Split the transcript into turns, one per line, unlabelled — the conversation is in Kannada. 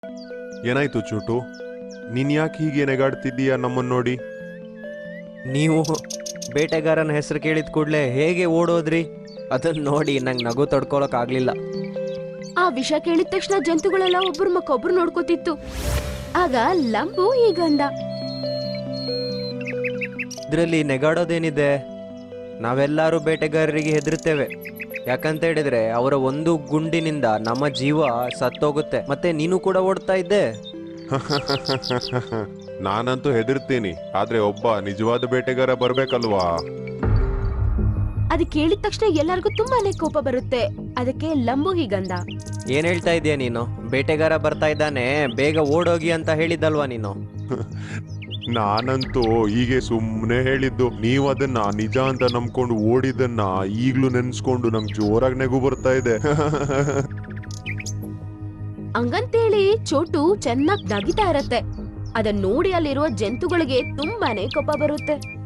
ಏನಾಯ್ತು ಚೂಟು, ನೀನ್ ಯಾಕೆ ಹೀಗೆ ನೆಗಾಡ್ತಿದ್ದೀಯಾ ನಮ್ಮನ್ನ ನೋಡಿ?
ನೀವು ಬೇಟೆಗಾರನ ಹೆಸರು ಕೇಳಿದ ಕೂಡಲೇ ಹೇಗೆ ಓಡೋದ್ರಿ? ಅದನ್ನ ನೋಡಿ ನಂಗೆ ನಗು ತಡ್ಕೊಳಕ್ ಆಗ್ಲಿಲ್ಲ.
ಆ ವಿಷಯ ಕೇಳಿದ ತಕ್ಷಣ ಜಂತುಗಳೆಲ್ಲ ಒಬ್ರ ಮಕ್ಕೊಬ್ರು ನೋಡ್ಕೋತಿತ್ತು. ಆಗ ಲಂಬು ಹೀಗಂದ,
ಇದ್ರಲ್ಲಿ ನೆಗಾಡೋದೇನಿದೆ? ನಾವೆಲ್ಲರೂ ಬೇಟೆಗಾರರಿಗೆ ಹೆದರುತ್ತೇವೆ. ಯಾಕಂತ ಹೇಳಿದ್ರೆ ಅವರ ಒಂದು ಗುಂಡಿನಿಂದ ನಮ್ಮ ಜೀವ ಸತ್ತೋಗುತ್ತೆ. ಮತ್ತೆ ನೀನು ಕೂಡ ಓಡ್ತಾ ಇದ್ದೆ.
ನಾನಂತೂ ಹೆದರ್ತೀನಿ, ಆದ್ರೆ ಒಬ್ಬ ನಿಜವಾದ ಬೇಟೆಗಾರ ಬರ್ಬೇಕಲ್ವಾ?
ಅದ್ ಕೇಳಿದ ತಕ್ಷಣ ಎಲ್ಲರಿಗೂ ತುಂಬಾನೇ ಕೋಪ ಬರುತ್ತೆ. ಅದಕ್ಕೆ ಲಂಬು ಹೀಗಂದ,
ಏನ್ ಹೇಳ್ತಾ ಇದೀಯ ನೀನು? ಬೇಟೆಗಾರ ಬರ್ತಾ ಇದ್ದಾನೆ, ಬೇಗ ಓಡೋಗಿ ಅಂತ ಹೇಳಿದ್ದಲ್ವಾ ನೀನು?
ನಾನಂತೂ ಹೀಗೆ ಸುಮ್ಮನೆ ಹೇಳಿದ್ದು. ನೀವ್ ಅದನ್ನ ನಿಜ ಅಂತ ನಂಬ್ಕೊಂಡು ಓಡಿದನ್ನ ಈಗ್ಲೂ ನೆನ್ಸ್ಕೊಂಡು ನಂಗೆ ಜೋರಾಗಿ ನೆಗು ಬರ್ತಾ ಇದೆ.
ಹಂಗಂತೇಳಿ ಚೋಟು ಚೆನ್ನಾಗ್ ನಗಿತಾ ಇರತ್ತೆ. ಅದನ್ನ ನೋಡಿ ಅಲ್ಲಿರುವ ಜಂತುಗಳಿಗೆ ತುಂಬಾನೇ ಕೋಪ ಬರುತ್ತೆ.